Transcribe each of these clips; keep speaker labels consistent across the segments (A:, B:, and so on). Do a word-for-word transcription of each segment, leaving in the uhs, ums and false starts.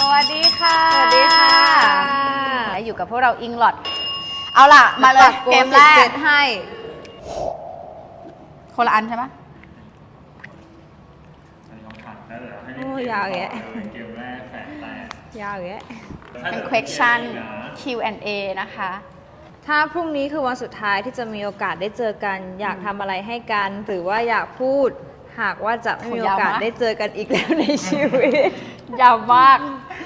A: วัสดีค่ะ
B: สวัสดีค่ะ
A: อยู่กับพวกเราอิงลอดเอาล่ะมาเลยเกมแรก
B: ให้
A: คนละอันใช่ไหม
B: โอ้ยาวแยะ
C: เกมแรกแสนแตก
B: ยาวแยะ
A: เป็น question คิว แอนด์ เอ นะคะ
B: ถ้าพรุ่งนี้คือวันสุดท้ายที่จะมีโอกาสได้เจอกันอยากทำอะไรให้กันหรือว่าอยากพูดหากว่าจะไม่มีโอกาสได้เจอกันอีกแล้วในชีวิต
A: ยาวมาก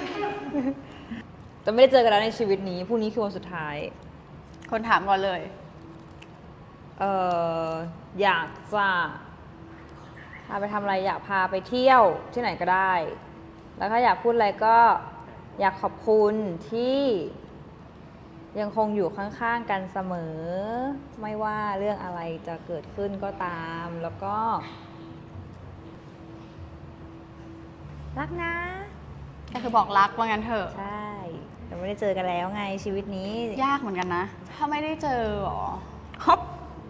B: แต่ไม่ได้เจอกันแล้วในชีวิตนี้พรุ่งนี้คือวันสุดท้าย
A: คนถามก่อนเลย
B: เอออยากจะพาไปทำอะไรอยากพาไปเที่ยวที่ไหนก็ได้แล้วถ้าอยากพูดอะไรก็อยากขอบคุณที่ยังคงอยู่ข้างๆกันเสมอไม่ว่าเรื่องอะไรจะเกิดขึ้นก็ตามแล้วก็รักนะ
A: ก็คือบอกรักว่างั้นเถอะ
B: ใช่แต่ไม่ได้เจอกันแล้วไงชีวิตนี้
A: ยากเหมือนกันนะถ้าไม่ได้เจอหรอ
B: ฮอป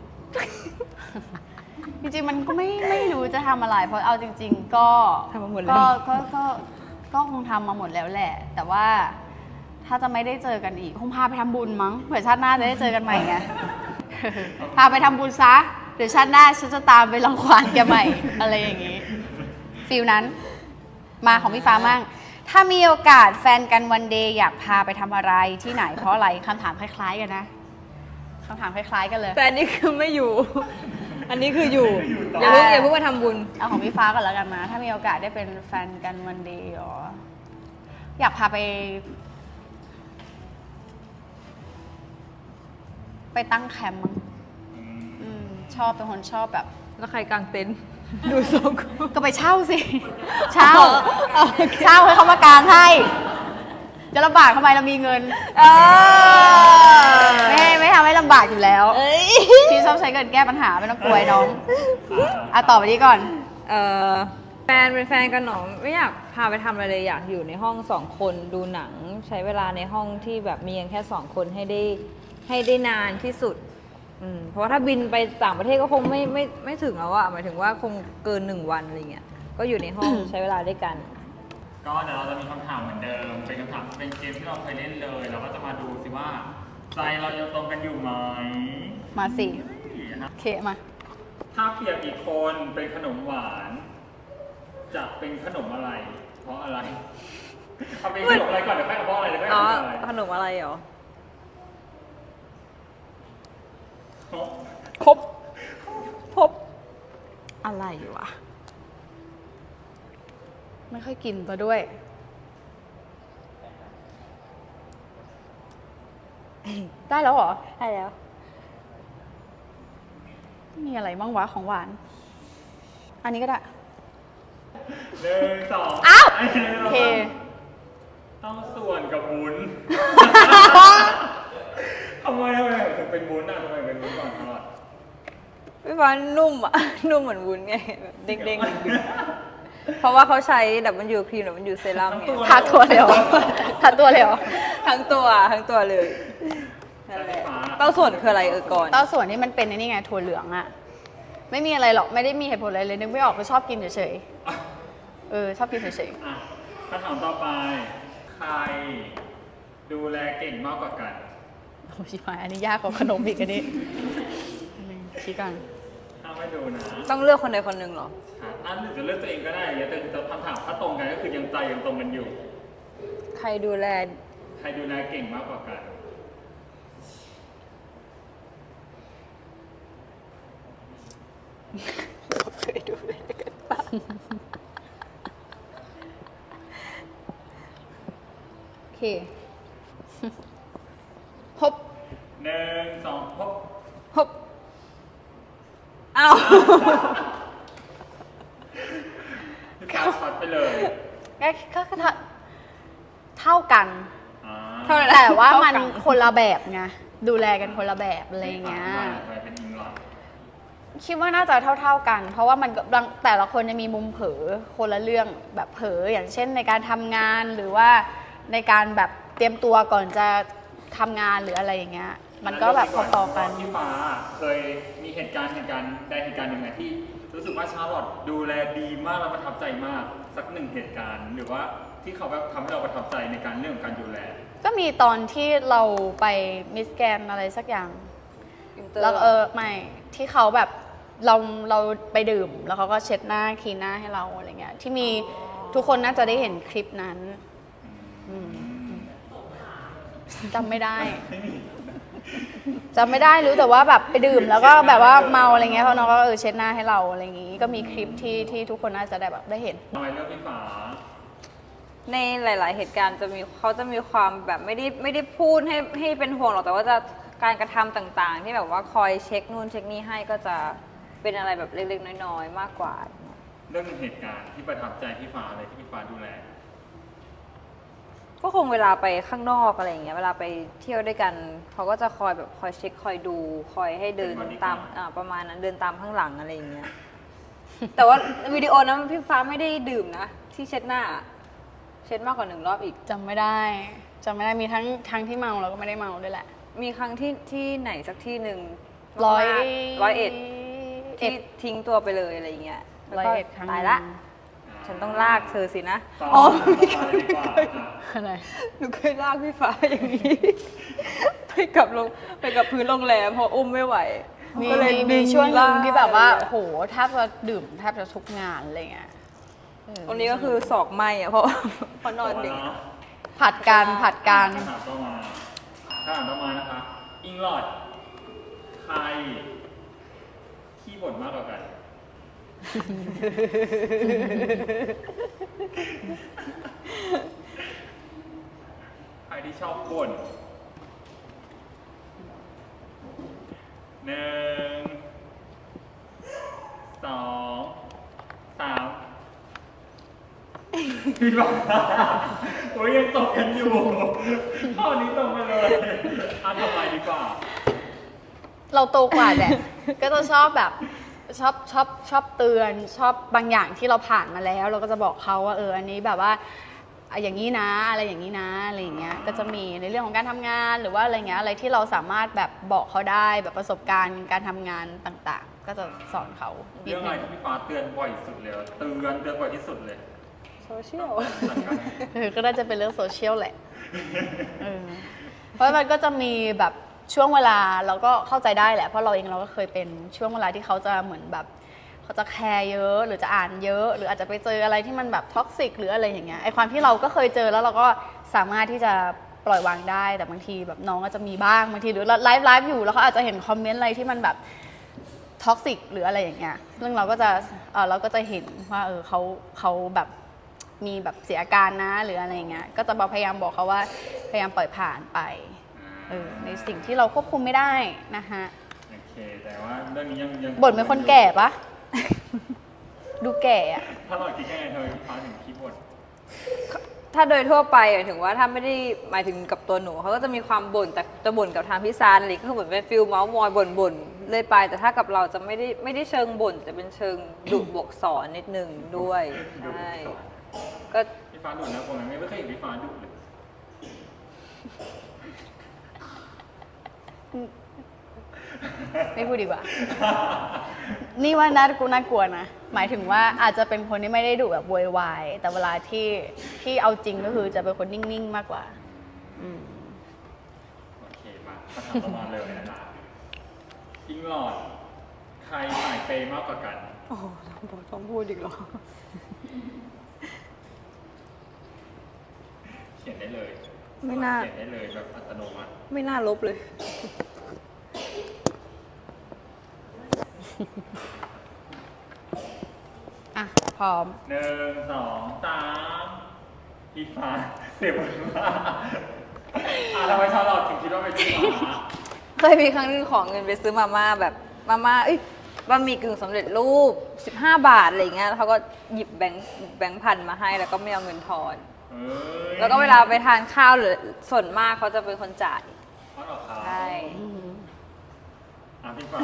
A: จริงๆมันก็ไม่ไม่รู้จะทำอะไรเพราะเอาจริงๆก็
B: ทำมาหมดแล้
A: ว
B: ก็
A: ก็ก็ก็คงทำมาหมดแล้วแหละแต่ว่าถ้าจะไม่ได้เจอกันอีกคงพาไปทำบุญมั้งเผื่อชาติหน้าจะได้เจอกันใหม่ไงพาไปทำบุญซะเดี๋ยวชาติหน้าฉันจะตามไปรังควานแกใหม่อะไรอย่างนี้ฟิลนั้นมาของพี่ฟ้ามั่งถ้ามีโอกาสแฟนกันวันเดย์อยากพาไปทำอะไรที่ไหนเพราะอะไรคำถามคล้ายๆกันนะคำถามคล้ายๆกันเลย
B: แต่อันนี้คือไม่อยู่อันนี้คืออยู่อย่าเพิ่งอย่าเพิ่งมาทำบุญ
A: เอาของพี่ฟ้าก่อนแล้วกันนะถ้ามีโอกาสได้เป็นแฟนกันวันเดย์หรออยากพาไปไปตั้งแคมป์มั้งชอบเป็นคนชอบแบบ
B: แล้วใครกางเต็นท์ดูทรง
A: ก็ไปเช่าสิเช่าเช่าให้เขามากางให้จะลำบากทำไมเรามีเงินไม่ไม่ทำให้ลำบากอยู่แล้วที่ชอบใช้เงินแก้ปัญหาไม่ต้องกลัวน้องอ่ะต่อไปนี้ก่อน
B: เออแฟนเป็นแฟนกันหนอไม่อยากพาไปทำอะไรเลยอยากอยู่ในห้องสองคนดูหนังใช้เวลาในห้องที่แบบมีแค่สองคนให้ได้ให้ได้นานที่สุดเพราะว่าถ้าบินไปต่างประเทศก็คงไม่ไม่ไม่ถึงแล้วอะหมายถึงว่าคงเกินหนึ่งวันอะไรเงี้ยก็อยู่ในห้องใช้เวลาด้วยกัน
C: ก็เดี๋ยวเราจะมีคำถามเหมือนเดิมเป็นคำถามเป็นเกมที่เราเคยเล่นเลยเราก็จะมาดูสิว่าใจเรายังตรงกันอยู่ไหม
A: มาสิเคมา
C: ถ้าเปรียบอีกคนเป็นขนมหวานจะเป็นขนมอะไรเพราะอะไรเอาเป็นขนมอะไรก่อนเดี๋ยวค่อยเอาเพราะอะไรเดี๋ยวค่อยเอาอะไร
B: ขนมอะไรเหรอ
A: ครบพบอะไรวะไม่ค่อยกินตัวด้วยได้แล้วเหรอ
B: ได้แล้ว
A: มีอะไรบ้างวะของหวานอันนี้ก็ได้
C: หนึ่งสอง
A: อ้าวโอเค
C: ต้องส่วนกับวุ้นทำไมทำไมถึงเป็นวุ้นอ่ะทำไมเป็นวุ้นก่อนตลอด
B: พี่ฟ้านุ่มอ่ะนุ่มเหมือนวุ้นไงเด้งๆเพราะว่าเขาใช้ดับเบิลยูครีมดับเบิลยูเซรั่มไง
A: ทาตัวเลยเหรอทาตัวเลยเหรอ
B: ทั้งตัวทั้งตัวเลยเต้าส่วนคืออะไรเออก่อน
A: เต้าส่วนนี่มันเป็นนี่ไงถั่วเหลืองอ่ะไม่มีอะไรหรอกไม่ได้มีเหตุผลอะไรเลยนึกไม่ออกก็ชอบกินเฉยๆเออชอบกินเฉย
C: ๆคำถามต่อไปใครดูแลเก่งมากกว่ากัน
A: โอ้ชิบหายอันนี้ยากกว่าขนมอีกอันนี้ชี้กัน
C: ถ้าไม่ดูนะ
B: ต้องเลือกคนใดคนหนึ่งเหรอ
C: อันหนึ่งจะเลือกตัวเองก็ได้แต่จะคำถามถ้าตรงกันก็คือยังใจยังตรงกันอยู่
B: ใครดูแล
C: ใครดูแลเก่งมากกว่ากัน
B: เคยดูแลกันปะ
A: โอเคพบ
C: หนึ่งสองพบ
B: พบอ้าว
C: ข้าวช็อตไปเลย
A: ก็เท่ากันแต่ว่ามันคนละแบบไงดูแลกันคนละแบบอะไรเงี้ยคิดว่าน่าจะเท่าๆกันเพราะว่ามันแต่ละคนจะมีมุมเผลอคนละเรื่องแบบเผลออย่างเช่นในการทำงานหรือว่าในการแบบเตรียมตัวก่อนจะทำงานหรืออะไรอย่างเงี้ยมันก็แบบพอๆกัน
C: พี่ฟ้าเคยมีเหตุการณ์เหตุการณ์ใดเหตุการณ์หนึ่งที่รู้สึกว่าชาร์ลอตดูแลดีมากและประทับใจมากสักหนึ่งเหตุการณ์หรือว่าที่เขาแบบทำให้เราประทับใจในการเรื่องของการดูแล
A: ก็มีตอนที่เราไปมิสแกรนอะไรสักอย่าง
B: อินเตอร์
A: แล้วเออไม่ที่เขาแบบเราเราไปดื่ม แล้วเขาก็เช็ดหน้าคลีนหน้าให้เราอะไรเงี้ยที่มีทุกคนน่าจะได้เห็นคลิปนั้นอืมจำไม่ได้จำไม่ได้รู้แต่ว่าแบบไปดื่มแล้วก็แบบว่าเมาอะไรเงี้ยเขาน้องก็เออเช็ดหน้าให้เราอะไรอย่างงี้ก็มีคลิปที่ที่ทุกคนน่าจะได้แบบได้เห็น
C: ทำไมเลือกพี่ฟ้า
B: ในหลาย ๆ เหตุการณ์จะมีเขาจะมีความแบบไม่ได้ไม่ได้พูดให้ให้เป็นห่วงหรอกแต่ว่าจะการกระทำต่าง ๆ ที่แบบว่าคอยเช็คนู่นเช็คนี่ให้ก็จะเป็นอะไรแบบเล็ก ๆ น้อย ๆ มากกว่า
C: เรื่องเหตุการณ์ที่ประทับใจพี่ฟ้าเลยที่พี่ฟ้าดูแล
B: ก็คงเวลาไปข้างนอกอะไรอย่างเงี้ยเวลาไปเที่ยวด้วยกันเขาก็จะคอยแบบคอยเช็คคอยดู คอยให้เดิน
C: เป็นบอดี้
B: ตาม
C: การ์ด
B: อ่าประมาณนั้นเดินตามข้างหลังอะไรอย่างเงี้ย แต่ว่าวิดีโอนั้นพี่ฟ้าไม่ได้ดื่มนะ ที่เช็ดหน้า เช็ดมากกว่าหนึ่งรอบอีก
A: จำไม่ได้จำไม่ได้มีทั้งทั้งที่เมาแล้วก็ไม่ได้เมาด้วยแหละ
B: มีครั้งที่ที่ไหนสักที่หนึ่ง
A: ร้อย
B: ร้อยเอ็ด
A: เอ็
B: ที่
A: ด
B: ทิ้งตัวไปเลยอะไรอย่างเงี้ยแล้ว
A: ร้อย
B: ก็
A: เอ็ดครั้ง
B: ตายละ ฉันต้องลากเธอสินะ
C: ต่อ
B: อ๋อ
C: ต่อไปดีกว่าอ่ะ
A: อะไร
B: หนูเคยลากพี่ฟ้าอย่างนี้ ไปกับลงไปกับพื้นโรงแรมพออุ้มไม่ไหว
A: มี
B: ก็เลย
A: มี
B: ดึ
A: มีช่วงหนึ่ง
B: ลก
A: ที่แบบว่าโหแทบจะดื่มแทบจะทุกงานอะไรเงี้ยเออ
B: วันนี้ก็คือศอกไหมอ่ะเพราะเพราะนอนดึก
A: ผัดกันผัดกัน
C: คำถามต่อมาคำถามต่อมานะคะ อิงลอดใครขี้บ่นมากกว่ากัน ใครที่ชอบบ่นหนึ่งสองสามพี่บอกโอ้ยยังตกกันอยู่ข้อนี้ตรงไปเลยอ่ะทำไมดีกว่า
A: เราโตกว่าแหละ ก็จะชอบแบบชอบชอบชอบเตือนชอบบางอย่างที่เราผ่านมาแล้ว เราก็จะบอกเขาว่าเอออันนี้แบบว่าอ่ะอย่างนี้นะอะไรอย่างนี้นะอะไรอย่างเงี้ยก็จะมีในเรื่องของการทำงานหรือว่าอะไรเงี้ยอะไรที่เราสามารถแบบบอกเขาได้แบบประสบการณ์การทำงานต่างๆ ก็จะสอนเขานิ
C: เรื่
A: ด
C: องอะไร
A: นึง
C: ที่พี่ฟ้าเตือนบ่อยสุดเลยเตือนเตือนบ่อยที่สุดเลย
B: โซเชียล
C: จัดการ
A: เออก็น่าจะเป็นเรื่องโซเชียลแหละเออเพราะมันก็จะมีแบบช่วงเวลาเราก็เข้าใจได้แหละเพราะเราเองเราก็เคยเป็นช่วงเวลาที่เขาจะเหมือนแบบเขาจะแคร์เยอะหรือจะอ่านเยอะ หรืออาจจะไปเจออะไรที่มันแบบท็อกซิกหรืออะไรอย่างเงี้ยไอความที่เราก็เคยเจอแล้วเราก็สามารถที่จะปล่อยวางได้แต่บางทีแบบน้องก็จะมีบ้างบางทีหรือไลฟ์ไลฟ์อยู่แล้วเขาอาจจะเห็นคอมเมนต์อะไรที่มันแบบท็อกซิกหรืออะไรอย่างเงี้ยซึ่งเราก็จะเออเราก็จะเห็นว่าเออเขาเขาแบบมีแบบเสียอาการนะหรืออะไรอย่างเงี้ยก็จะพยายามบอกเขาว่าพยายามปล่อยผ่านไปเออในสิ่งที่เราควบคุมไม่ได้นะคะ
C: โอเค แต่ว่าเรื่องนี้ยังยัง
A: บ่นเป็นคนแก่ปะ ดูแก่อะ
C: ถ้าเราคิดยังไงเธอพี่ฟ้าถึงคิดบ่น
B: ถ้าโดยทั่วไปหมายถึงว่าถ้าไม่ได้หมายถึงกับตัวหนูเขาก็จะมีความบ่นแต่จะบ่นกับทางพี่ซานอะไรก็คือเหมือนเป็นฟิลเมาส์มอยบ่นบ่นๆเลยไป แต่ถ้ากับเราจะไม่ได้ไม่ได้เชิงบ่นแต่เป็นเชิงดุบวกสอนนิดนึงด้วยใช่ก็
C: พี่ฟ้าดุนะผมยังไม่เคยเห็นพี่ฟ้าดุเลย
A: ไม่พูดดีกว่า นี่ว่าน่ากูน่ากลัวนะ หมายถึงว่าอาจจะเป็นคนที่ไม่ได้ดุแบบโวยวายแต่เวลาที่ที่เอาจริงก็คือจะเป็นคนนิ่งๆมากกว่า อืม
C: โอเคมาคำถามต่อมาเลยนะคะอิงลอดใครสายเปย์มากกว่ากัน
B: โอ้โหต้องพูดอีกเหรอ
C: เขียนได้เลย
B: ไม่น่า
C: เขียนได้เลยแบบอัตโนมัติ
B: ไม่น่าลบเลย
A: อ่ะ พร้อม
C: หนึ่งสองสามพี่ฟ้าเสียบนมากอ่ะทำไมชาลอตถึงคิดว่าเป็นพี่ฟ้า
B: เคยมีครั้งหนึงขอเงินไปซื้อมาม่าแบบมาม่าเอ้ยบะหมี่กึ่งสำเร็จรูปสิบห้าบาทอะไรอย่างเงี้ยแล้วเขาก็หยิบแบงค์แบงค์พันมาให้แล้วก็ไม่เอาเงินทอน
C: เอ้ย
B: แล้วก็เวลาไปทานข้าวหรือส่วนมากเขาจะเป็นคนจ่าย
C: อ๋อเหรอครับ
B: ใช่
C: อ่ะพี่ฟ้า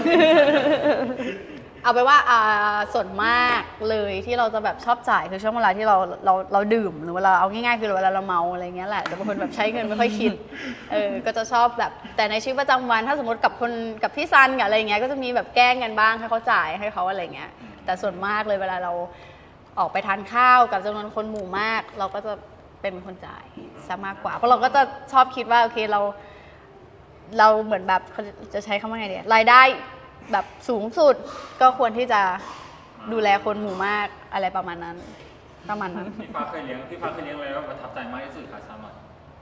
A: เอาไปนว่าอ่าส่วนมากเลยที่เราจะแบบชอบจ่ายคือช่วงเวลาที่เราเราเราดื่มหรือเวลาเอาง่ายๆคือเวลาเราเมาอะไรเงี้ยแหละแต่บางคนแบบใช้เงินไม่ค่อยคิดเออก็จะชอบแบบแต่ในชีวิตประจำวันถ้าสมมติกับคนกับพี่ซันกับอะไรเงี้ยก็จะมีแบบแกล้งกันบ้างให้เขาจ่ายให้เขาอะไรเงี้ยแต่ส่วนมากเลยเวลาเราออกไปทานข้าวกับจำนวนคนหมู่มาก เราก็จะเป็นคนจ่ายซะมากกว่า เพราะเราก็จะชอบคิดว่าโอเคเรา เราเหมือนแบบเขาจะใช้คำว่าไงดีรายได้แบบสูงสุดก็ควรที่จะดูแลคนหมู่มากอะไรประมาณนั้นประมาณนั้น
C: พี่ฟ้าเคยเลี้ยงพี่ฟ้าเคยเลี้ยงอะไรว่าประทับใจมากที่สุดคะชามา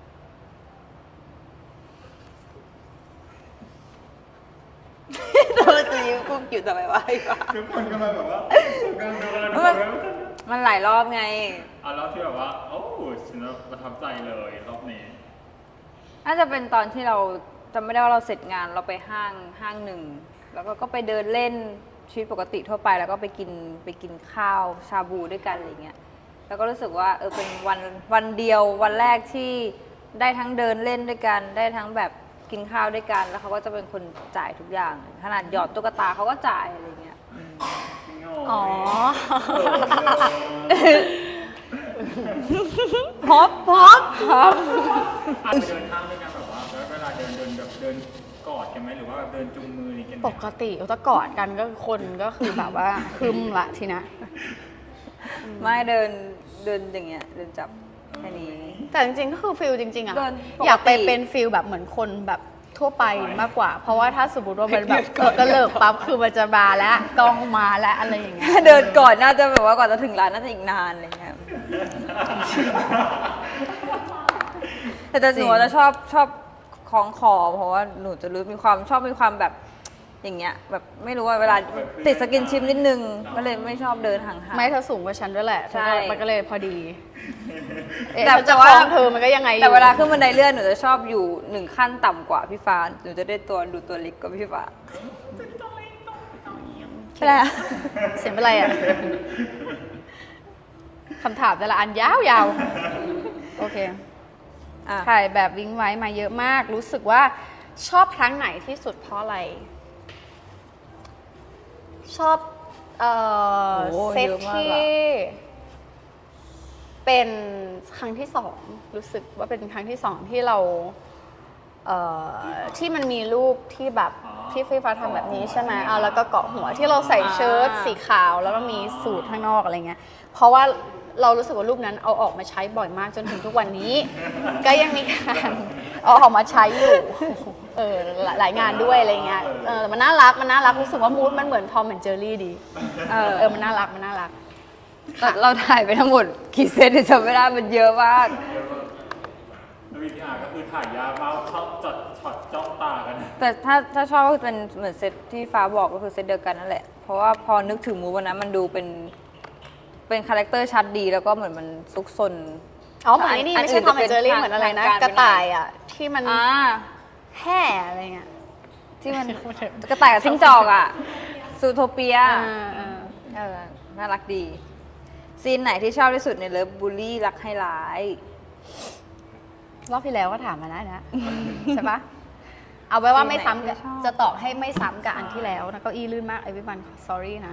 B: ตัวจะยิ้มกุ๊กอยู่ทำไมวะไอ้ฟ้า
C: ทุกคนก็มาแบบว่าการดูอะไรดู
B: มัน
C: อะไร
B: มันหลายรอบไง
C: อ่ะแล้วที่แบบว่าโอ้ฉันประทับใจเลยรอบนี้
B: น่าจะเป็นตอนที่เราจำไม่ได้ว่าเราเสร็จงานเราไปห้างห้างหนึ่งแล้วก็ก็ไปเดินเล่นชีวิตปกติทั่วไปแล้วก็ไปกินไปกินข้าวชาบูด้วยกันอะไรเงี้ยแล้วก็รู้สึกว่าเออเป็นวันวันเดียววันแรกที่ได้ทั้งเดินเล่นด้วยกันได้ทั้งแบบกินข้าวด้วยกันแล้วเขาก็จะเป็นคนจ่ายทุกอย่างขนาดหยอดตุ๊กตาเขาก็จ่ายอะไรเงี้ย
A: อ๋อ
B: พบพบพบ
C: อาจจะเดินห้างด้วยกันแบบว่าเวลาเดินเดินแบบเดินกอดกันไหมหรือว่าแบบเดินจูงมืออะไรกันไหม
A: ปกติเราจะกอดกันก็คนก็คือแบบว่าคึมละทีนะ
B: ไม่เดินเดินอย่างเงี้ยเดินจับแค่นี้
A: แต่จริงๆก็คือฟิลจริงๆอะ
B: เดินปกติ
A: อยากไปเป็นฟิลแบบเหมือนคนแบบทั่วไปมากกว่า เพราะว่าถ้าสมมติว่ามันแบบเออกระเลิกปั๊บคือมันจะมาแล้วกล้องมาแล้วอะไรอย่างเงี้ย
B: เดินก่อนน่าจะแบบว่าก่อนจะถึงร้านน่าจะอีกนานอะไรเงี้ย แต่แต่หนูจะชอบชอบคล้องคอเพราะว่าหนูจะรู้มีความชอบมีความแบบอย่างเงี้ยแบบไม่รู้ว่าเวลาติดสกินชิปนิดนึงก็เลยไม่ชอบเดินห่างๆ
A: ไม่เธอสูงกว่าฉันด้วยแหละ
B: ใช่
A: มันก็เลยพอดีเอ๊ะ
B: แต่
A: ฉันจะ
B: แต่ว่า
A: คล้องเธอมันก็ยังไงอยู่
B: แต่เวลาขึ้นบันไดเลื่อนหนูจะชอบอยู่หนึ่งขั้นต่ำกว่าพี่ฟ้าหนูจะได้ตัวดูตัวเล็กกว่าพี่ฟ้าใช่แล้ว
A: เสียงเป็นไรอ่ะคำถามแต่ละอันยาวๆโอเค
B: อ่ะ
A: ถ่ายแบบวิ้งไว้มาเยอะมาก รู้สึกว่าชอบครั้งไหนที่สุดเพราะอะไร ชอบเอ่อ
B: โอ้
A: เซต
B: เยอะมาก
A: ที่
B: อะ
A: เป็นครั้งที่สองรู้สึกว่าเป็นครั้งที่สองที่เราเอ่อที่มันมีรูปที่แบบที่ฟีฟ้าทำแบบนี้ใช่ไหมเอาแล้วก็เกาะหัวที่เราใส่เชิ้ตสีขาวแล้วก็มีสูทข้างนอกอะไรเงี้ยเพราะว่าเรารู้สึกว่ารูปนั้นเอาออกมาใช้บ่อยมากจนถึงทุกวันนี้ ก็ยังมีการเอาออกมาใช้อยู่เออหลายหลายงานด้วยอะไรเงี้ยเออมันน่ารักมันน่ารักรู้สึกว่ามูดมันเหมือนทอมเหมือนเจอรี่ดี
B: เออ
A: เออมันน่ารักมันน่ารัก
B: แต่เราถ่ายไปทั้งหมดกี่เซตจำไม่ได้มันเยอะมาก
C: แล้ววิธีอาก็คือถ่ายยากมากชอบจดช็อตจ้องตากัน
B: แต่ถ้าถ้าชอบก็เป็นเหมือนเซตที่ฟ้าบอกก็คือเซตเดียวกันนั่นแหละ เพราะว่าพอนึกถึงมูฟวันนั้นมันดูเป็นเป็นคาแรคเตอร์ชัดดีแล้วก็เหมือนมันซุกซน
A: อ๋อเหมือนไอ้นี่ไม่ใช่ทอมแอนด์เจอรี่เหมือนอะไรนะ กระต่ายอ่ะที่มัน
B: อ่า
A: แห่อะไรเงี้ย
B: ที่มันกระต่ายกับจิ้งจอกอ่ะซูโทเปีย
A: อ่าอ่า
B: เออน่ารักดี ซีนไหนที่ชอบที่สุดในเลิฟบูลลี่รักให้ร้าย
A: รอบที่แล้วก็ถามมานะนะ ใช่ปะเอาไว้ว่าไม่ซ้ำกับ
B: ที่ชอบ
A: จะตอบให้ไม่ซ้ำกับอันที่แล้วนะเก้าอี้ลื่นมากไอวิบัน sorry นะ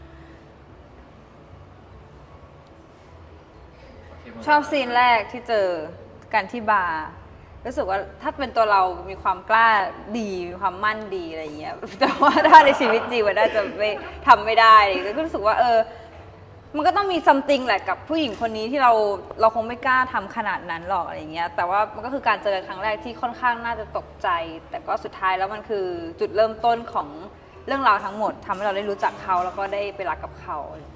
B: ชอบซีนแรกที่เจอกันที่บาร์รู้สึกว่าถ้าเป็นตัวเรามีความกล้าดีมีความมั่นดีอะไรอย่างเงี้ยแต่ว่าถ้าในชีวิตจริงมันน่าจะไม่ทำไม่ได้เลยก็รู้สึกว่าเออมันก็ต้องมีซัมติงแหละกับผู้หญิงคนนี้ที่เราเราคงไม่กล้าทำขนาดนั้นหรอกอะไรอย่างเงี้ยแต่ว่ามันก็คือการเจอกันครั้งแรกที่ค่อนข้างน่าจะตกใจ แต่ก็สุดท้ายแล้วมันคือจุดเริ่มต้นของเรื่องราวทั้งหมดทำให้เราได้รู้จักเขาแล้วก็ได้ไปรักกับเขา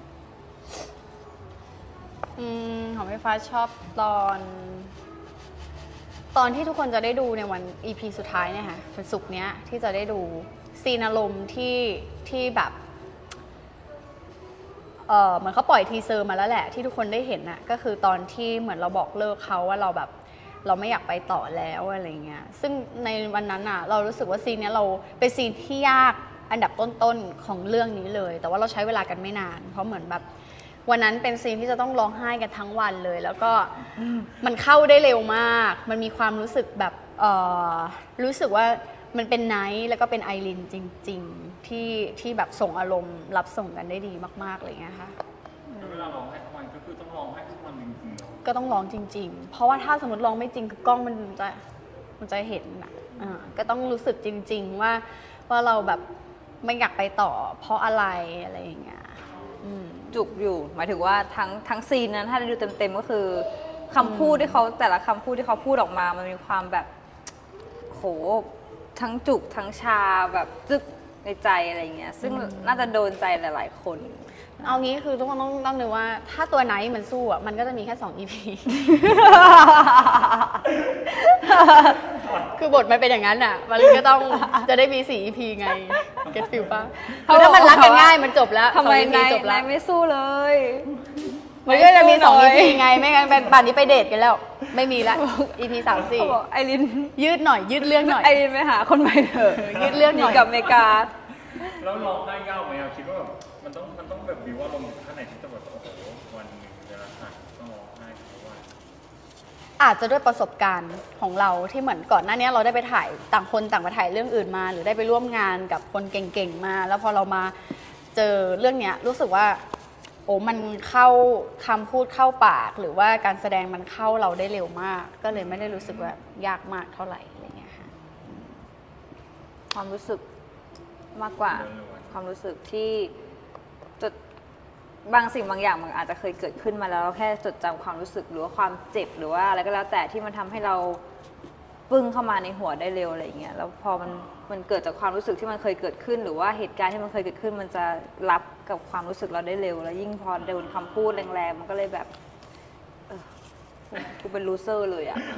A: อืมของพี่ฟ้าชอบตอน ตอนที่ทุกคนจะได้ดูในวัน อี พี สุดท้ายเนี่ยค่ะวันศุกร์เนี้ยที่จะได้ดูซีนอารมณ์ที่ที่แบบเออเหมือนเขาปล่อยทีเซอร์มาแล้วแหละที่ทุกคนได้เห็นน่ะก็คือตอนที่เหมือนเราบอกเลิกเขาว่าเราแบบเราไม่อยากไปต่อแล้วอะไรเงี้ยซึ่งในวันนั้นอ่ะเรารู้สึกว่าซีนเนี้ยเราเป็นซีนที่ยากอันดับต้นๆของเรื่องนี้เลย แต่ว่าเราใช้เวลากันไม่นานเพราะเหมือนแบบวันนั้นเป็นซีนที่จะต้องร้องไห้กันทั้งวันเลย แล้วก็มันเข้าได้เร็วมากมันมีความรู้สึกแบบเอ่อรู้สึกว่ามันเป็นไนท์แล้วก็เป็นไอรินจริงๆที่ที่แบบส่งอารมณ์รับส่งกันได้ดีมากๆอะไรเงี้ยค่ะ
C: เวลาร้องไห้ทุกวันก็คือต้องร้องไห้ทุกวันจริงๆเนอะ
A: ก็ต้องร้องจริง ๆ เพราะว่าถ้าสมมติร้องไม่จริงคือกล้องมันจะมันจะเห็นนะอ่าก็ต้องรู้สึกจริง ๆ ว่าว่าเราแบบไม่อยากไปต่อเพราะอะไรอะไรอย่างเงี้ยอืม
B: จุกอยู่ หมายถึงว่าทั้งทั้งซีนนั้นถ้าได้ดูเต็มๆก็คือคำพูดที่เขาแต่ละคำพูดที่เขาพูดออกมา มันมีความแบบโหทั้งจุกทั้งชาแบบจึกในใจอะไรเงี้ยซึ่งน่าจะโดนใจหลายๆคน
A: เอางี้คือทุกคนต้องต้องนึกว่าถ้าตัวไหนมันสู้อ่ะมันก็จะมีแค่สอง อี พี คือบทมันเป็นอย่างนั้นอ่ะ มันก็ต้องจะได้มีสี่ อี พี ไง เก็ตฟิลป่ะเพราะถ้ามันรักกันง่ายมันจบแล้ว
B: ทำไม
A: สอง อี พี
B: นาย
A: จบแล้
B: นา
A: วย
B: ไม่สู้เลย
A: มันก็จะมีสอง
B: ไม่
A: อี
B: สู้
A: พี
B: เลย
A: ไง ไม่งั้นเป็นป่านนี้ไปเดทกันแล้ว ไม่มีละ อี พี สามสี่
B: เขาบอกไอริน
A: ยืดหน่อย ยืดเรื่องหน่อย
B: ไอรินไปหาคนใหม่เถอะ
A: ยืดเรื่องหน่อย
B: กับอเมริกา
C: แล้วร้องไห้ยากไหมครับคิดว่าแบบมันต้องมันต้องแบบวิวว่าลมณ์ข้างในที่จะแบบโอ้โหวันหนึ่งเวลาถ่ายต้องร้องไห้ทุกวัน
A: อาจจะด้วยประสบการณ์ของเราที่เหมือนก่อนหน้านี้เราได้ไปถ่ายต่างคนต่างไปถ่ายเรื่องอื่นมา หรือได้ไปร่วมงานกับคนเก่งๆมา แล้วพอเรามาเจอเรื่องเนี้ยรู้สึกว่าโอ้มันเข้าคำพูดเข้าปาก หรือว่าการแสดงมันเข้าเราได้เร็วมาก ก็เลยไม่ได้รู้สึกว่ายากมากเท่าไหร่อะไรเงี้ยค่ะ
B: ความรู้สึกมากกว่า ความรู้สึกที่จดบางสิ่งบางอย่างมันอาจจะเคยเกิดขึ้นมาแล้วเราแค่จดจำความรู้สึกหรือว่าความเจ็บหรือว่าอะไรก็แล้วแต่ที่มันทำให้เราปึ้งเข้ามาในหัวได้เร็วอะไรอย่างเงี้ยแล้วพอมันมันเกิดจากความรู้สึกที่มันเคยเกิดขึ้น หรือว่าเหตุการณ์ที่มันเคยเกิดขึ้น มันจะรับกับความรู้สึกเราได้เร็ว แล้วยิ่งพอโดนคำพูดแรงๆมันก็เลยแบบเออกูเป็นลูเซอร์เลยอ่ะ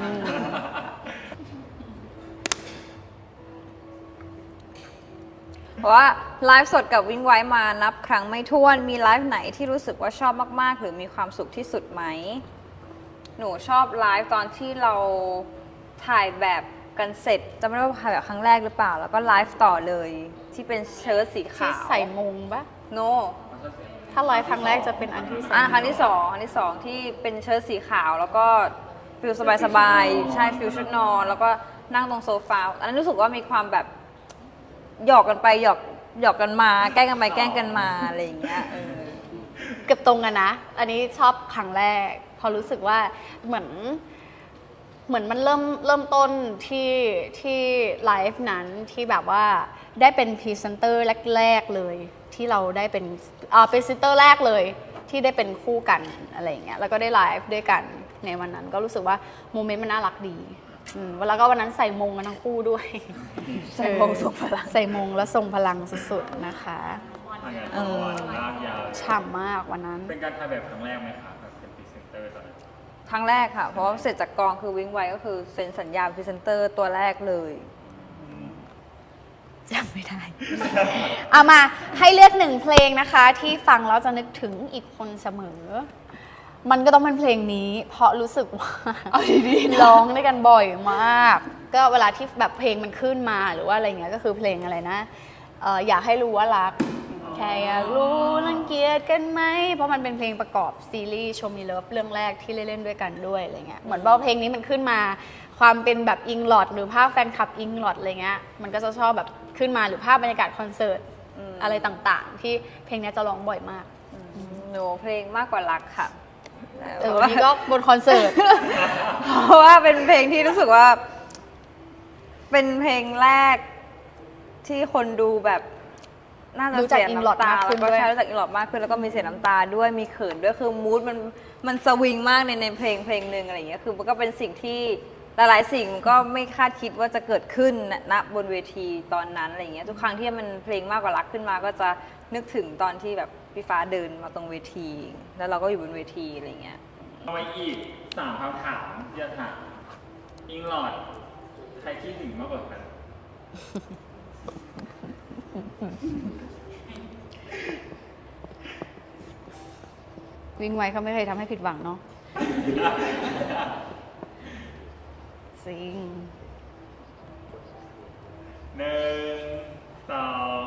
B: เพราะว่าไลฟ์สดกับวิ่งไว้มานับครั้งไม่ถ้วน มีไลฟ์ไหนที่รู้สึกว่าชอบมากๆ หรือมีความสุขที่สุดไหม หนูชอบไลฟ์ตอนที่เราถ่ายแบบกันเสร็จจำไม่ได้ว่าถ่ายแบบครั้งแรกหรือเปล่า แล้วก็ไลฟ์ต่อเลยที่เป็นเชิ้ตสี
A: ที่
B: ขาว
A: ใส่มงปะ
B: โน
A: ถ้าไลฟ์ครั้งแรกจะเป็นอันที่ใส่
B: อ่ะครั้งที่สองครั้งที่สองที่เป็นเชิ้ตสีขาว แล้วก็ฟิลสบายๆใช่ฟิลชุดนอนแล้วก็นั่งตรงโซฟาอันนั้นรู้สึกว่ามีความแบบหยอกกันไปหยอกหยอกกันมาแกล้งกันไปแกล้งกันมาอะไรอย่างเงี้ยเออ
A: เกือบตรงกันนะ อันนี้ชอบครั้งแรก พอรู้สึกว่าเหมือนเหมือนมันเริ่มเริ่มต้นที่ที่ไลฟ์นั้นที่แบบว่าได้เป็นพรีเซนเตอร์แรกๆเลย ที่เราได้เป็นอ่าเป็นพรีเซนเตอร์แรกเลยที่ได้เป็นคู่กันอะไรอย่างเงี้ยแล้วก็ได้ไลฟ์ด้วยกันในวันนั้นก็รู้สึกว่าโมเมนต์มันน่ารักดีอืมแล้วก็วันนั้นใส่มงกันทั้งคู่ด้วย
B: ใส่มงทรงพลัง
A: ใส่มงแล้วทรงพลังสุดๆนะคะ
C: เออลากยาว
A: ฉ่ำมากวันนั้น
C: เป็นการถ่ายแบบครั้งแรกไหมคะแบบเป็นพรีเซนเตอร์ตอนนั้น
B: ครั้งแรกค่ะ เพราะว่าเสร็จจากกองคือวิ่งไวก็คือเซ็นสัญญาพรีเซนเตอร์ตัวแรกเลย
A: จำไม่ได้ เอามาให้เลือกหนึ่งเพลงนะคะ ที่ฟังแล้วจะนึกถึงอีกคนเสมอ มันก็ต้องเป็นเพลงนี้ เพราะรู้สึกว่าร้องด้วยกันบ่อยมาก ก็เวลาที่แบบเพลงมันขึ้นมาหรือว่าอะไรเงี้ยก็คือเพลงอะไรนะเอ่ออยากให้รู้ว่ารัก แค่อยากรู้รังเกียจกันไหมเพราะมันเป็นเพลงประกอบซีรีส์ Show Me Love เรื่องแรกที่เล่นๆด้วยกันด้วยอะไรเงี้ยเหมือนว่าเพลงนี้มันขึ้นมา ความเป็นแบบอิงลอดหรือภาพแฟนคลับอิงลอดอะไรเงี้ยมันก็จะชอบแบบขึ้นมาหรือภาพบรรยากาศคอนเสิร์ต
B: อืม
A: อะไรต่างๆ ที่เพลงนี้จะร้องบ่อยมาก
B: หนูเพลงมากกว่ารักค่ะ
A: เออวันนี้ก็บนคอนเสิร์ต
B: เพราะว่าเป็นเพลงที่รู้สึกว่า เป็นเพลงแรกที่คนดูแบบน่าจะ
A: รู้จัก
B: เสีย
A: อิงลอด
B: น้ำตาม
A: ากขึ้น
B: แล้วก็
A: ด้วย
B: ใช่รู้จักอิงลอดมากขึ้นแล้วก็มีเสียน้ำตาด้วยมีเขินด้วยคือมูดมันมันสวิงมากในในเพลงเพลงหนึ่งอะไรอย่างเงี้ยคือมันก็เป็นสิ่งที่หลายๆสิ่งก็ไม่คาดคิดว่าจะเกิดขึ้นณบนเวทีตอนนั้นอะไรอย่างเงี้ยทุกครั้งที่มันเพลงมากกว่ารักขึ้นมา ก็จะนึกถึงตอนที่แบบพี่ฟ้าเดินมาตรงเวที แล้วเราก็อยู่บนเวทีอะไรอย่างเงี้ย
C: เอาไปอีกสามคำถามที่จะถามอิงหลอดใครคิดถึงมากกว่ากัน
A: วิ่งไวเขาไม่เคยทำให้ผิดหวังเนาะจริง
C: หนึ่งสอง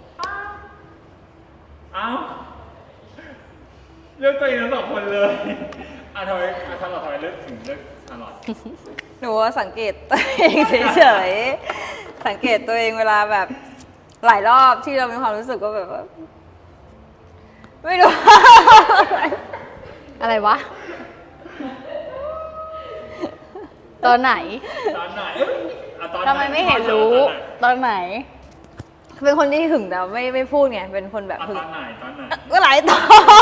C: เอ้าเลือกตัวเองทั้งสองคนเลยอ่ะทำไมอ่ะทำไมทำไมเลือกถึงเลือกชาร์ลอต
B: หนูว่าสังเกตตัวเองเฉยๆ สังเกตตัวเองเวลาแบบหลายรอบที่เรามีความรู้สึกว่าแบบว่าไม่รู้
A: อะไรวะ ตอนไหน
C: ตอนไหนเอ้ยอ่ะตอนหน
A: ทำไมไม่เห็นรู้ ตอนไหน
B: เป็นคนที่หึงแต่ไม่ไม่พูดไง เป็นคนแบบ
C: อ่ะ
B: หึง
C: ตอนไหนตอนไหน
B: ก็หลายตอน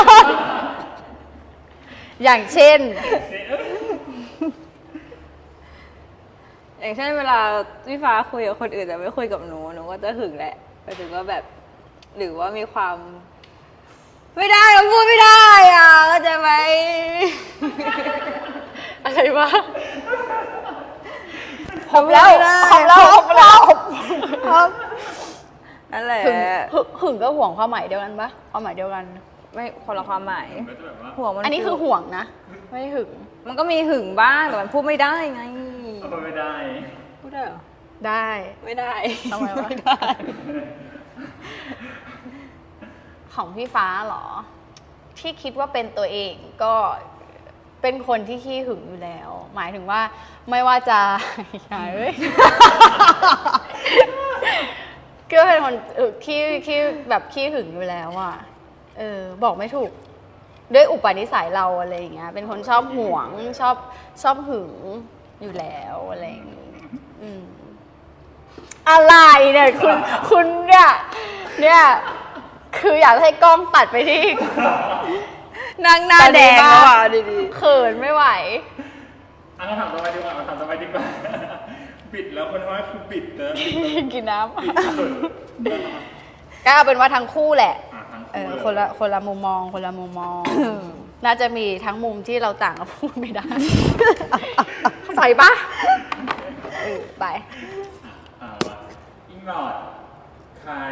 A: อย่างเช่น
B: อย่างเช่นเวลาพี่ฟ้าคุยกับคนอื่นแต่ไม่คุยกับหนูหนูก็จะหึงแหละไปถึงว่าแบบ หรือว่ามีความ ไม่ได้เราพูดไม่ได้อ่ะเข้าใจไหม
A: อะไรวะหอบแล้วหอบแล้วหอบแล้วหอบ
B: นั่นแหละ
A: หึงหึงหึงก็ห่วงความหมายเดียวกันปะความหมายเดียวกัน
B: ไม่คนละความหมาย
C: ก็จะแบบว่า
B: ห่วงมัน
A: อันนี้คือห่วงนะ ไม่ได้หึง
B: มันก็มีหึงบ้างแต่มันพูดไม่ได้ไง
C: เอาไปไม่ได้
B: พูดได้เหรอ
A: ได้
B: ไม่ได้
A: ทำไมวะ
B: ไม่ได้
A: ของพี่ฟ้าเหรอ ที่คิดว่าเป็นตัวเองก็เป็นคนที่ขี้หึงอยู่แล้ว หมายถึงว่าไม่ว่าจะ อย่าเอ้ย ก็เป็นคนเออขี้ขี้แบบขี้หึงอยู่แล้วอ่ะเออ บอกไม่ถูก ด้วยอุปนิสัยเราอะไรอย่างเงี้ย เป็นคนชอบห่วงชอบชอบหึงอยู่แล้วอะไรอย่างงี้อืมอะไรเนี่ยคุณคุณเนี่ยเนี่ย คืออยากให้กล้องตัดไปที่
B: นางหน้าแดงแล้วอ่ะดี
A: เขินไม่ไหว
C: อันนั้นถามต่อไปดีกว่าถามต่อไปดีกว่า ปิดแล้วคนว่าคือปิดนะปิดแล้ว
A: กินน้
C: ปิดสุด
A: ำก็เอาเป็นว่าทั้งคู่แหละ
C: อ่ะทั้ง
A: เอ
C: คู่
A: อ
C: เลย
A: คนละคนละมุมมองคนละมุมมอง น่าจะมีทั้งมุมที่เราต่างกันพูดไม่ได้เข้าใจปะเออไป
C: อ่ะว่าอิงหลอดใคร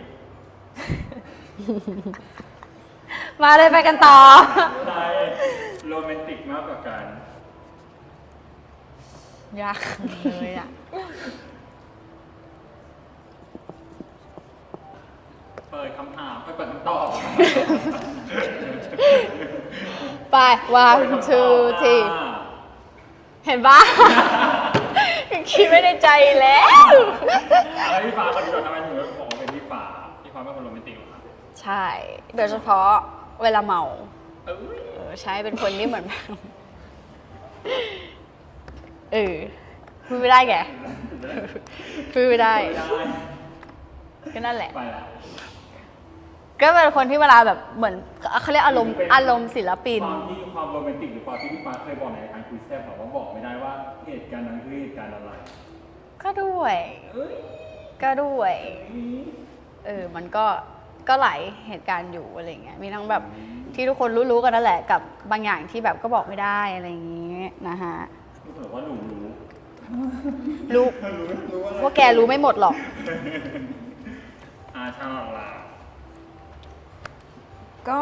B: ๆมาเลยไปกันต่อ
C: ใครโรแมนติกมากกว่ากัน
A: ยากเลยอ่ะ
C: เปิดคำถามเปิดคำตอบ
A: ไป one two three เห็นปะ คิดไม่ในใจแล้ว
C: แล้วพี่ฟ้าคนที่เราทำไมถึงบอกว่าเป็นพี่ฟ้าพี่ฟ้าเป็นคนโรแมนติกเหรอครับ
A: ใช่ โดยเฉพาะเวลาเมา
C: เอ้ย
A: เออใช่เป็นคนที่เหมือนแบบ เออพูดไม่ได้แกพูดไม่ได้
C: ได้
A: ก็นั่นแหละ
C: ไปละ
A: ก็เป็นคนที่เวลาแบบเหมือนเขาเรียกอารมณ์อารมณ์ศิลปิน
C: ความที่ความโรแมนติกหรือความที่พี่ฟ้าเคยบอกในรายการคุยแซ่บบอกว่าบอกไม่ได้ว่าเหตุการณ์นั้นคือเหตุการณ์อะไร
A: ก็ด้วย
C: เอ้ย
A: ก็ด้วย เออ มันก็ก็หลายเหตุการณ์อยู่อะไรเงี้ย มีทั้งแบบที่ทุกคนรู้ๆกันนั่นแหละ กับบางอย่างที่แบบก็บอกไม่ได้อะไรอย่างงี้นะฮะ
C: รู้สึกว่าหนูรู้
A: รู้
C: รู้รู้อะไร
A: ว่าแกรู้ไม่หมดหรอก
C: อาชาลอตลา
B: ก็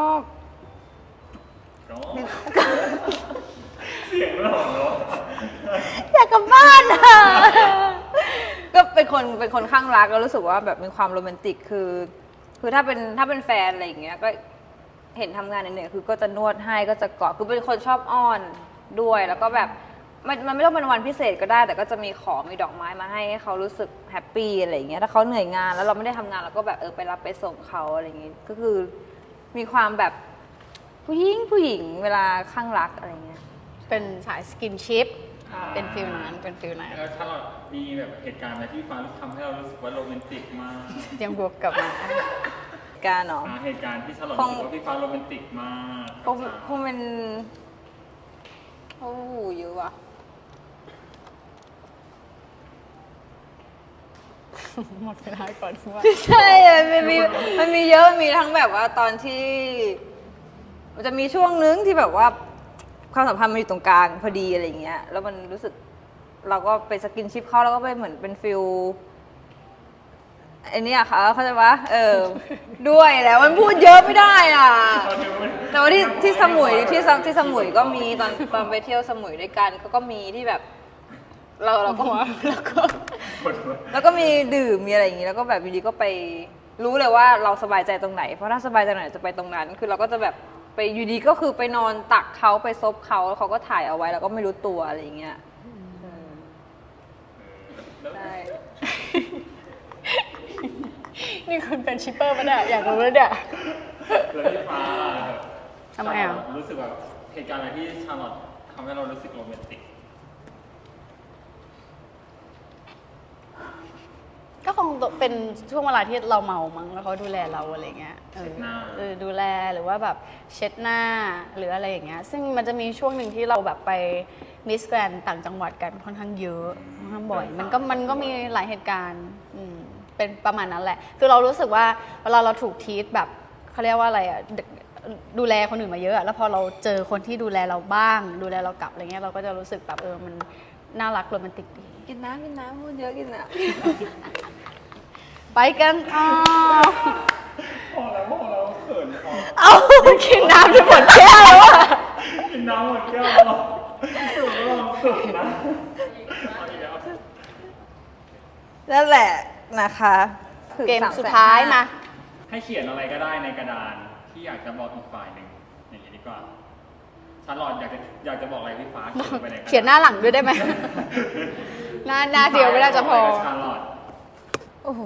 C: ก็เสียงหล่อเนาะ
A: อยากกลับบ้านอ่ะ
B: ก็เป็นคนเป็นคนข้างรักแล้วรู้สึกว่าแบบมีความโรแมนติกคือ คือถ้าเป็นถ้าเป็นแฟนอะไรอย่างเงี้ยก็เห็นทำงานเหนื่อยๆคือก็จะนวดให้ก็จะกอดคือเป็นคนชอบอ้อนด้วยแล้วก็แบบมันมันไม่ต้องเป็นวันพิเศษก็ได้ แต่ก็จะมีของมีดอกไม้มาให้ให้เขารู้สึกแฮปปี้อะไรอย่างเงี้ยถ้าเขาเหนื่อยงานแล้วเราไม่ได้ทำงานเราก็แบบเออไปรับไปส่งเขาอะไรอย่างงี้ก็คือมีความแบบผู้หญิงผู้หญิงเวลาข้างรักอะไรเงี้ย
A: เป็นสายสกินชิป เป็นฟิลนั้น เป็นฟิลนั้น
C: แล้วชาลอตมีแบบเหตุการณ์อะไรที่ฟ้ารู้ทำให้เรารู้สึกว่าโรแมนติกมาก
A: ยังบวกกลับมา
B: การเนาะ
C: อ่าเหตุการณ์ที่ชาลอต
B: ค
C: รู้
B: ง
C: สึกว่าพี่ฟ้าโรแมนติกมาก
B: คงคงเป็นโอ้โหเยอะว่ะ
A: หมดเวลาก่อนว่า
B: ใช่มันมีมันมีเยอะมีทั้งแบบว่าตอนที่มันจะมีช่วงนึงที่แบบว่าความสัมพันธ์มันอยู่ตรงกลางพอดีอะไรอย่างเงี้ยแล้วมันรู้สึกเราก็ไปสกินชิปเขาแล้วก็ไปเหมือนเป็นฟิลไอ้นี่อะค่ะเขาใจปะเออ ด้วยแล้วมันพูดเยอะไม่ได้อ่ะ แต่ว่าที่ที่สมุยที่สที่สมุยก็มีตอนตอนไปเที่ยวสมุยด้วยกันก็ก็มีที่แบบ เราเราก็แล้วก็ แล้วก็มีดื่มมีอะไรอย่างนี้แล้วก็แบบอยู่ดีก็ไปรู้เลยว่าเราสบายใจตรงไหน เพราะถ้าสบายใจตรงไหนจะไปตรงนั้น คือเราก็จะแบบไปอยู่ดีก็คือไปนอนตักเขาไปซบเขาแล้วเขาก็ถ่ายเอาไว้แล้วก็ไม่รู้ตัวอะไรอย่างเงี้ยใช่
A: นี่คุณเป็นชิปเปอร์ปะเนี่ย อยากรู้แล้วเนี่ย
C: แล้วพี่ฟ้า
A: ทำไมอ่ะ
C: รู้สึกแบบเหตุการณ์อะไรที่ชาลอตทำให้เรารู้สึกโรแมนติก
A: ก็คงเป็นช่วงเวลาที่เราเมามั้งแล้วเขาดูแลเราอะไรเงี้ยเออเออดูแลหรือว่าแบบเช็ดหน้าหรืออะไรอย่างเงี้ยซึ่งมันจะมีช่วงหนึ่งที่เราแบบไปมิสแกรนต่างจังหวัดกันค่อนข้างเยอะค่อนข้างบ่อยมันก็มันก็มีหลายเหตุการณ์อืมเป็นประมาณนั้นแหละคือเรารู้สึกว่าเวลาเราถูกทีทแบบเขาเรียกว่าอะไรอ่ะดูแลคนอื่นมาเยอะแล้วพอเราเจอคนที่ดูแลเราบ้าง ดูแลเรากลับอะไรเงี้ยเราก็จะรู้สึกแบบเออมันน่ารักโรแมนติกดี
B: กินน้ำกินน้ำพูดเยอะกินน้
A: ไปกันอ้าว
C: พอแล้วพอแล้วเขินพอ
A: เอากินน้ำจนหมดแก้วแล้วอะ
C: กินน้ำหมดแก้วแล้วเขินแล้วเขินนะเอาอีกแล้ว
B: ำนั่นแหละนะคะถึง
A: เกม
B: สามแสน
A: สุดท้ายมา
C: ให้เขียนอะไรก็ได้ในกระดานที่อยากจะบอกอีกฝ่ายหนึ่งอย่างนี้ดีกว่าชาลอตอยากจะอยากจะบอกอะไรพี่ฟ้าเขียนลงไปในกระดาษ
A: เขียนหน้าหลังด้วยได้ไหม หน้าหน้าเดียวไม่น่าจะพอ
C: ชาลอต
B: โอ้โห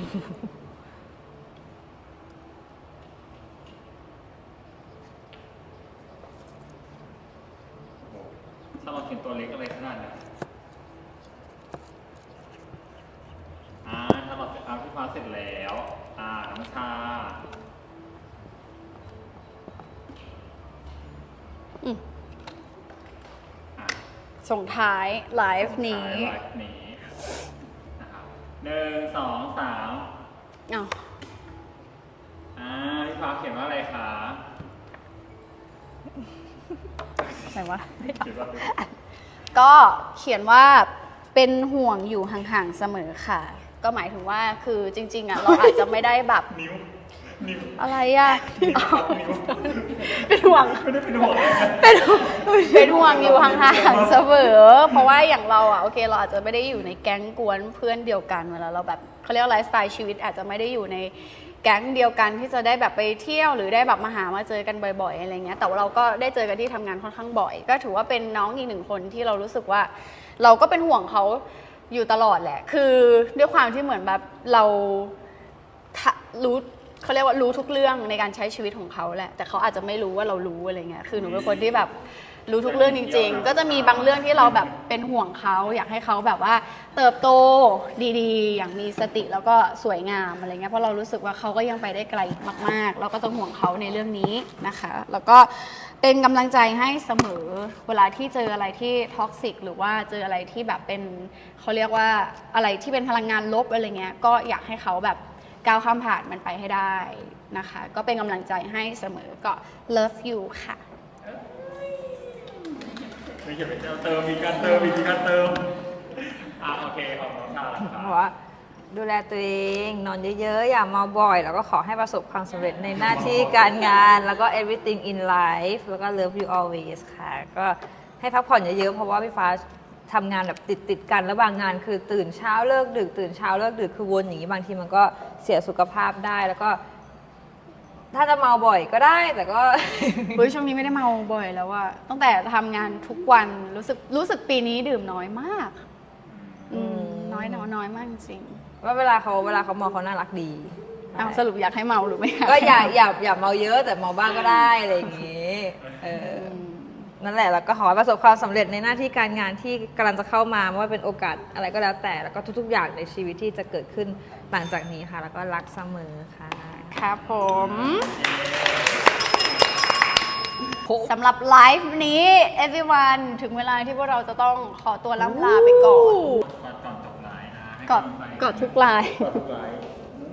C: ชาลอตเขียนตัวเล็กอะไรขนาดนั้นอ่าชาลอตเสร็จอ่าพี่ฟ้าเสร็จแล้วอ่าน้ำชา
A: อืม
C: อ่า
A: ส่งท้ายไลฟ์นี้
C: ไลฟ์นี้นะครับหนึ่งสองสาม
A: อ้าว
C: อ่าพี่ฟ้าเขียนว่าอะไรคะ
A: ไหนวะ
C: เขียนว่าอะไร
A: ก็เขียนว่าเป็นห่วงอยู่ห่างๆเสมอค่ะ ก็หมายถึงว่าคือจริง ๆอ่ะเราอาจจะไม่ได้แบบ
C: นิ้วนิ้ว
A: อะไรอ่ะ
C: นิ้วนิ้ว
A: เป็นห่วง
C: ไม่ได้เป็นห่วงเลยนะ
A: เป็นเป็นห่วงอยู่ห่างๆเสมอ เพราะว่าอย่างเราอ่ะโอเคเราอาจจะไม่ได้อยู่ในแก๊งกวนเพื่อนเดียวกันเวลาเราแบบเขาเรียกว่าไลฟ์สไตล์ชีวิตอาจจะไม่ได้อยู่ในแก๊งเดียวกันที่จะได้แบบไปเที่ยวหรือได้แบบมาหามาเจอกันบ่อยๆอะไรเงี้ยแต่ว่าเราก็ได้เจอกันที่ทำงานค่อนข้างบ่อย ก็ถือว่าเป็นน้องอีกหนึ่งคนที่เรารู้สึกว่า เราก็เป็นห่วงเขาอยู่ตลอดแหละ คือด้วยความที่เหมือนแบบเราทะรู้เขาเรียกว่ารู้ทุกเรื่องในการใช้ชีวิตของเขาแหละ แต่เขาอาจจะไม่รู้ว่าเรารู้อะไรเงี้ย คือหนูเป็นคนที่แบบรู้ทุกเรื่องจริงๆ ก็จะมีบางเรื่องที่เราแบบเป็นห่วงเขาอยากให้เขาแบบว่าเติบโตดีๆ อย่างมีสติแล้วก็สวยงามอะไรเงี้ย เพราะเรารู้สึกว่าเขาก็ยังไปได้ไกลมากๆ เราก็ต้องห่วงเขาในเรื่องนี้นะคะ แล้วก็เป็นกำลังใจให้เสมอเวลาที่เจออะไรที่ท็อกซิกหรือว่าเจออะไรที่แบบเป็นเขาเรียกว่าอะไรที่เป็นพลังงานลบอะไรเงี้ย ก็อยากให้เขาแบบก้าวข้ามผ่านมันไปให้ได้นะคะ ก็เป็นกำลังใจให้เสมอก็ love you ค่ะ
C: ไม่เขียนเป็นเติมมีการเติมมีการเติมอ่ะโอเคขอบคุณชาแล้วค
B: เพ
C: รับ
B: ราะว่าดูแลตัวเองนอนเยอะๆ อย่าเมาบ่อย แล้วก็ขอให้ประสบความสำเร็จในหน้าที่การงาน แล้วก็ everything in life แล้วก็ love you always ค่ะ ก็ให้พักผ่อนเยอะๆ เพราะว่าพี่ฟ้าทำงานแบบติดๆกันแล้วบางงานคือตื่นเช้าเลิกดึกตื่นเช้าเลิกดึกคือวนอย่างนี้บางทีมันก็เสียสุขภาพได้แล้วก็ ถ้าจะเมาบ่อยก็ได้แต่ก็
A: เฮ้ยช่วงนี้ไม่ได้เมาบ่อยแล้วอะตั้งแต่ทำงานทุกวันรู้สึกรู้สึกปีนี้ดื่มน้อยมาก อืมน้อยน้อยน้อยมากจริง
B: ว่าเวลาเขาเวลาเขาเมาเขาน่ารักดี
A: เอาสรุปอยากให้เมาหรือไม่อยาก
B: ก็อย่า
A: ให้เม
B: อย่าอย่าเมาเยอะแต่เมาบ้างก็ได้อะไรอย่างงี้เออ
A: อืม
B: นั่นแหละแล้วก็ขอให้ประสบความสำเร็จในหน้าที่การงานที่กำลังจะเข้ามาไม่ว่าเป็นโอกาสอะไรก็แล้วแต่แล้วก็ทุก ๆ อย่างในชีวิตที่จะเกิดขึ้นหลังจากนี้ค่ะ แล้วก็รักเสมอค่ะ
A: ครับผมสำหรับไลฟ์นี้ everyone ถึงเวลาที่พวกเราจะต้องขอตัวล่ำลาไปก่อน
C: ก่อนก่อนจบไลฟ์นะให้
A: กอด
C: ำลังใจ
A: กอดทุกไลฟ์
C: กอดทุกไลฟ์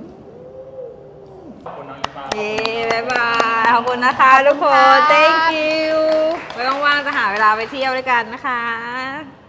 C: ขอบคุณน้องอีฟ้า
B: เย้บ๊ายบายขอบคุณนะคะทุกคน thank you ไว้ว่างๆจะหาเวลาไปเที่ยวด้วยกันนะคะ